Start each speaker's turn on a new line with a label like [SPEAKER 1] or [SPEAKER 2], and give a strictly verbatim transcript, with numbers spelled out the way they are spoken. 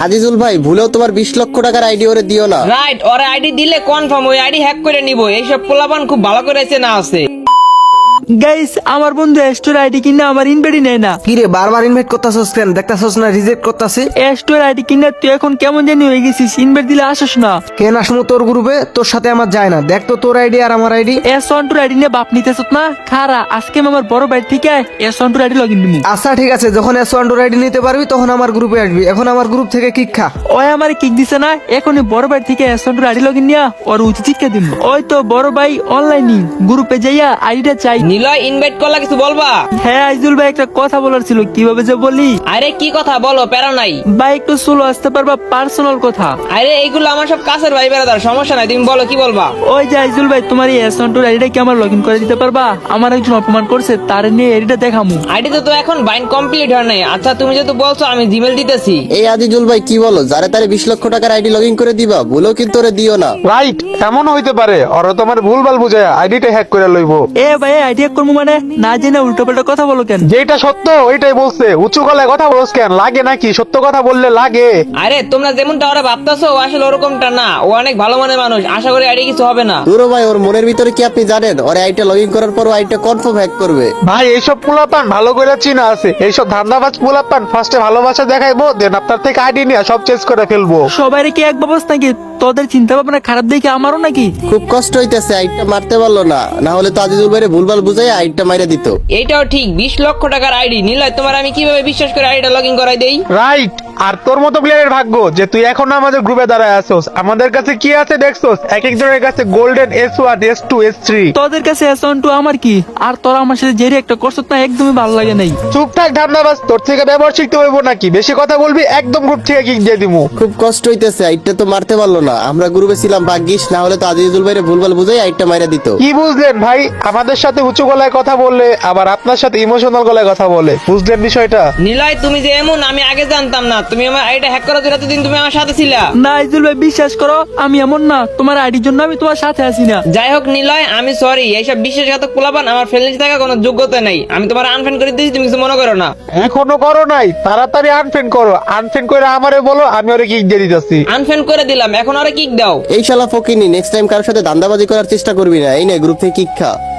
[SPEAKER 1] আজিজুল ভাই ভুলেও তোমার বিশ লক্ষ টাকার আইডি ওরে দিও না।
[SPEAKER 2] রাইট, ওরা আইডি দিলে কনফার্ম ওই আইডি হ্যাক করে নিব। এইসব পোলাপান খুব ভালো করে চেনা আছে।
[SPEAKER 3] গাইস আমার বন্ধু স্টোর আইডি কিনা আমার ইনভাইট নেয় না।
[SPEAKER 4] কি রে বারবার ইনভাইট করতাছস কেন? দেখতাছস না রিজেক্ট করতাছে।
[SPEAKER 3] স্টোর আইডি কিনা তুই এখন কেমন জানি হয়ে গেছিস, ইনভাইট দিলে আসস না।
[SPEAKER 4] কেন আসমু তোর গ্রুপে? তোর সাথে আমার যায় না। দেখ তো তোর আইডি আর আমার ID.
[SPEAKER 3] S one two ID নিয়ে বাপ নিতেছ না? খারা আজকে আমি আমার বড় ভাই থেকে S one two ID login দিমু।
[SPEAKER 4] আচ্ছা ঠিক আছে, যখন এস ওয়ান টু আইডি নিতে পারবি তখন আমার গ্রুপে আসবি। এখন আমার গ্রুপ থেকে কিক খা।
[SPEAKER 3] ওই আমার কিক দিছে না, এখনই বড় ভাই থেকে S one two ID login নিয়া ওর উচিত শিক্ষা দিমু। ওই তো বড় ভাই অনলাইনে গ্রুপে যাইয়া আইডিটা চাই।
[SPEAKER 2] নিলয় ইনভাইট করলা কিছু বলবা?
[SPEAKER 3] হ্যাঁ আইজুল ভাই একটা কথা বলার ছিল, কিভাবে যে বলি।
[SPEAKER 2] আরে কি কথা বলো, প্যারা নাই।
[SPEAKER 3] ভাই একটু স্লো আসতে পারবা, পার্সোনাল কথা।
[SPEAKER 2] আরে এইগুলো আমার সব কাছের ভাই বেড়াদার, সমস্যা নাই, তুমি বলো কি বলবা।
[SPEAKER 3] ওই যে আইজুল ভাই তোমার এই এস ওয়ান টু আইডিটা কি আমার লগইন করে দিতে পারবা? আমার একজন অপমান করছে, তার নিয়ে আইডিটা দেখামু।
[SPEAKER 2] আইডিতে তো এখন বাইন কমপ্লিট হয় নাই। আচ্ছা তুমি যেহেতু বলছো আমি জিমেল দিতেছি।
[SPEAKER 1] এই আজিজুল ভাই কি বলো, যারে তারে বিশ লক্ষ টাকার আইডি লগ ইন করে দিবা, ভুলেও কিন্তু ওরে দিও না।
[SPEAKER 5] রাইট, এমন হইতে পারে ওরা তোমার ভুলভাল বুঝায় আইডিটা হ্যাক করে লইবো।
[SPEAKER 3] এ ভাই আইডিয়া করবো মানে না জেনে উল্টো পাল্টা কথা বলো কেন?
[SPEAKER 5] যেটা সত্য ওইটাই বলছে, উঁচু গলায় কথা বলছ কেন? লাগে নাকি? সত্য কথা বললে লাগে।
[SPEAKER 2] আরে তোমরা যেমনটা ওরা ভাবতেছো ও আসলে ওরকমটা না। ও অনেক ভালো মনের মানুষ, আশা করি আইডি কিছু হবে না।
[SPEAKER 1] দুরো ভাই ওর মনের ভিতরে কি আপনি জানেন? ওরে আইডিটা লগ ইন করার পর আইডিটা কনফার্ম হ্যাক করবে।
[SPEAKER 5] ভাই এইসব পোলাপান ভালো করে চিনা আছে। এইসব ধান্দাবাজ পোলাপান ফার্স্টে ভালোবাসা দেখাইবো, দেন আপনার থেকে আইডি নিয়ে সব চেঞ্জ করে ফেলবো।
[SPEAKER 3] সবাই কি এক ব্যবস্থা নাকি? তোদের চিন্তা ভাবনা খারাপ দেখে আমারও নাকি?
[SPEAKER 1] খুব কষ্ট হইতেছে, আইডিটা মারতে পারলো না, না হলে তো আজিজুল ভাইরে ভুলভাল বুঝাই আইডিটা মাইরা দিত।
[SPEAKER 2] এইটাও ঠিক, বিশ লক্ষ টাকার আইডি। নিলয় তোমার আমি কিভাবে বিশ্বাস করে আইডিটা লগ ইন করাই দেই?
[SPEAKER 5] রাইট, আর তোর মতো প্লেয়ারের ভাগ্য যে তুই এখনো আমাদের গ্রুপে দাঁড়ায় আসোস। আমাদের কাছে কি আছে দেখছোস? এক একজনের কাছে golden S one S two S three.
[SPEAKER 3] তোদের কাছে এস ওয়ান টু আমার কি? আর তোরা আমার সাথে জেরি একটা করছ না, একদমই ভালো লাগে নাই।
[SPEAKER 5] চুপ থাক ধান্দাবাজ, তোর থেকে ব্যবহার শিখতে হইব নাকি? বেশি কথা বলবি একদম গ্রুপ থেকে কিক দিয়ে দিমু।
[SPEAKER 1] খুব কষ্ট হইতেছে, আইডিটা তো মারতে পারলো না। আমরা গ্রুপে ছিলাম ভাগ্যিস, না হলে তো আজিজুল ভাইরে ভুলভাল বুঝাই আইডিটা মাইরা দিত।
[SPEAKER 5] কি বুঝলেন ভাই? আমাদের সাথে উঁচু গলায় কথা বললে আবার আপনার সাথে ইমোশনাল গলায় কথা বলে, বুঝলেন বিষয়টা?
[SPEAKER 2] নিলয় তুমি যে এমন আমি আগে জানতাম না। তুমি আমার আইডিটা হ্যাক করার জন্য এতদিন তুমি আমার সাথে ছিলা।
[SPEAKER 3] না আইজুল ভাই বিশ্বাস করো, আমি এমন না। তোমার আইডির জন্য আমি তোমার সাথে আছি না।
[SPEAKER 2] যাই হোক নিলয়, আমি সরি। এইসব বিশ্বাসঘাতক পোলাপান আমার ফ্রেন্ডলি থাকার কোনো যোগ্যতা নেই। আমি তোমার আনফ্রেন্ড করে দিয়েছি, তুমি কিছু মনে করো না।
[SPEAKER 5] এখনো করো নাই? তাড়াতাড়ি আনফ্রেন্ড করো। আনফ্রেন্ড করে আমারে বলো, আমি ওরে কিক দিয়ে দিতেছি।
[SPEAKER 2] আনফ্রেন্ড করে দিলাম, এখন ওরা কিক দাও।
[SPEAKER 1] এই শালা ফকিনি, নেক্সট টাইম কারোর সাথে ধান্দাবাজি করার চেষ্টা করবি না। এই নে গ্রুপ থেকে কিক খা।